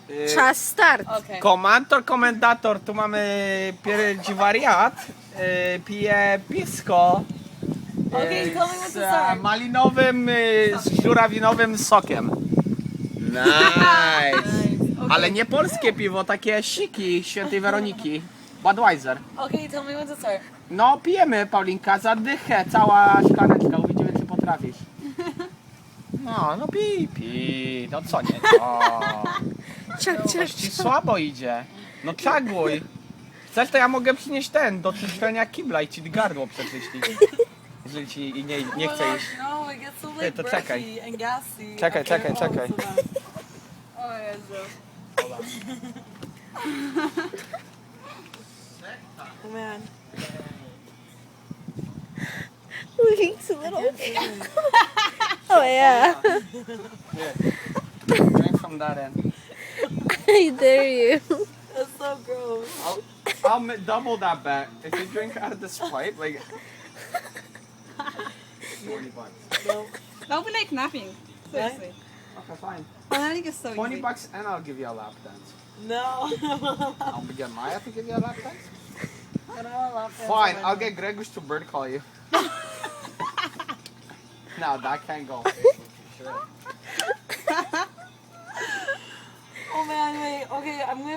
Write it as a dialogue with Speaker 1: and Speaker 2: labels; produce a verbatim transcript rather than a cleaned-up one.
Speaker 1: Y,
Speaker 2: Czas start.
Speaker 3: Okay.
Speaker 1: Komantor, komendator, tu mamy pierdzi wariat, y, pije pisko y,
Speaker 3: Okej, tell me what
Speaker 1: z
Speaker 3: to start.
Speaker 1: e, malinowym, y, z żurawinowym sokiem. Nice!
Speaker 3: Okay.
Speaker 1: Ale nie polskie piwo, takie siki świętej Weroniki. Budweiser.
Speaker 3: Okay, tell me when to start.
Speaker 1: No pijemy, Paulinka, za dychę, cała szklaneczka, uwidzimy czy potrafisz. No, no pij, pij, no co nie, no.
Speaker 2: Ciak, ciak,
Speaker 1: Coś ci
Speaker 2: ciak.
Speaker 1: słabo idzie. No czaguj. Chcesz, to ja mogę przynieść ten, do czyszczenia kibla i ci gardło przeczyścić. Jeżeli ci i nie, nie chce iść.
Speaker 3: No, it gets so
Speaker 1: Ty,
Speaker 3: like
Speaker 1: to czekaj.
Speaker 3: brushy and gassy.
Speaker 1: Czekaj,
Speaker 3: after
Speaker 1: czekaj,
Speaker 3: all
Speaker 1: czekaj.
Speaker 3: this event. Oh Jezu. Oh man.
Speaker 2: Link's a little. Oh yeah.
Speaker 1: Drink from that end.
Speaker 2: I dare you.
Speaker 3: That's so gross.
Speaker 1: I'll, I'll m- double that bet. If you drink out of the Sprite, like... twenty bucks.
Speaker 3: No.
Speaker 4: That'll be like napping. Seriously.
Speaker 1: Okay, fine.
Speaker 4: I think it's so
Speaker 1: twenty
Speaker 4: easy.
Speaker 1: bucks and I'll give you a lap dance.
Speaker 3: No.
Speaker 1: I'll get Maya to give you a lap dance?
Speaker 3: I don't want to laugh at
Speaker 1: Fine,
Speaker 3: someone.
Speaker 1: I'll get Gregos to bird call you. No, that can't go.
Speaker 3: Oh man, wait. Okay, I'm gonna